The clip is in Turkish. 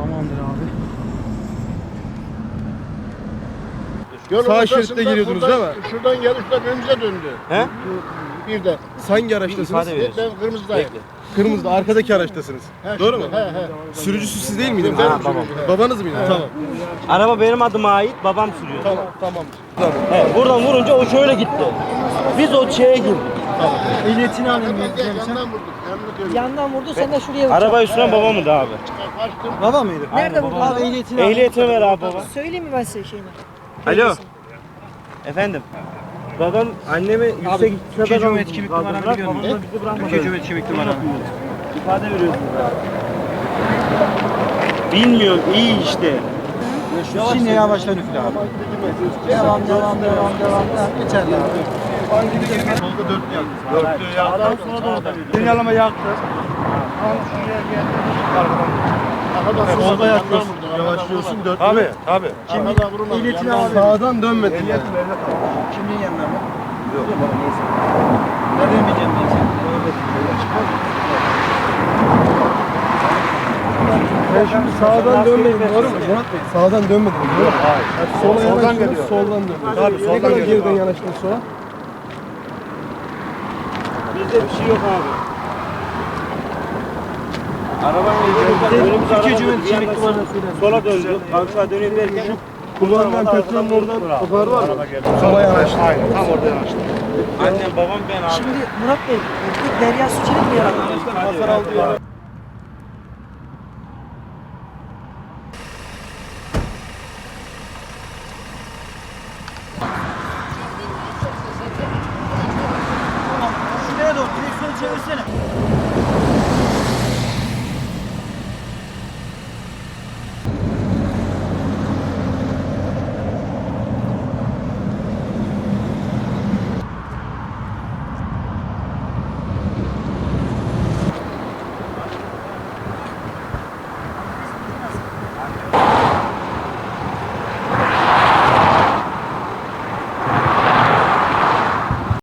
Tamamdır abi. Sağ şeritte giriyordunuz değil mi? Şuradan gelip de önümüze döndü. He? Bir de. Hangi araçtasınız? Ben kırmızıdayım. Kırmızıda arkadaki araçtasınız. Doğru mu? He. Sürücüsü siz değil miydiniz? Ben Babam. sürücü, he. Babanız mıydı? Tamam. Araba benim adıma ait, babam sürüyor. Tamam. Evet, buradan vurunca o şöyle gitti. Biz o şeye girdik. Ehliyetini alayım. Yandan vurduk. Yanına döndük. Yandan vurdu, sen de şuraya vurdun. Arabayı süren babamdı abi. Kaçtım. Baba mıydı? Nerede vurdun? Abi ehliyetini al. Ehliyetini ver abi baba. Söyleyeyim mi ben size şeyini? Alo. Efendim. Babam annemi yüksek Türkiye Cumhuriyeti kimlik numaranı biliyor musun? bizi bırakmadı. Türkiye Cumhuriyeti kimlik numaranı. İfade veriyorsun. Bilmiyorum, iyi işte. Şimdi yavaştan üfle abi. Devam. Geçerli abi. Solda dörtlü yaktı. Sağdan sonra da orada veriyor. Sinyalama yaktı. Solda yakıyorsun. Yavaşlıyorsun dörtlü. Tabii. Arkadan vurmadım. Ehliyetini al. Sağdan dönmedin yani. Kimliğin yanına mı? Yok. Neyse. Nereden bileceğim ben seni? Ben şimdi sağdan dönmedim doğru mu? Murat Bey sağdan dönmedim doğru mu? Hayır. Sola yanaştınız soldan dönüyorsunuz. Tabii, Ne soldan kadar geliyor. geriden yanaştınız sola? Bizde bir şey yok abi. Arabanın Türkiye Cumhuriyeti kimlik numaranı söyle. sola döndü. Aşağı döneyim derken Kullanılan petrolün oradan o kadar var mı? Sola yanaştı. aynen tam orada yanaştı. Annem babam ben abi. Şimdi Murat Bey, bu Derya Suçelik mi yarattı? Hasar aldı ya. Şuraya doğru direksiyonu çevirsene.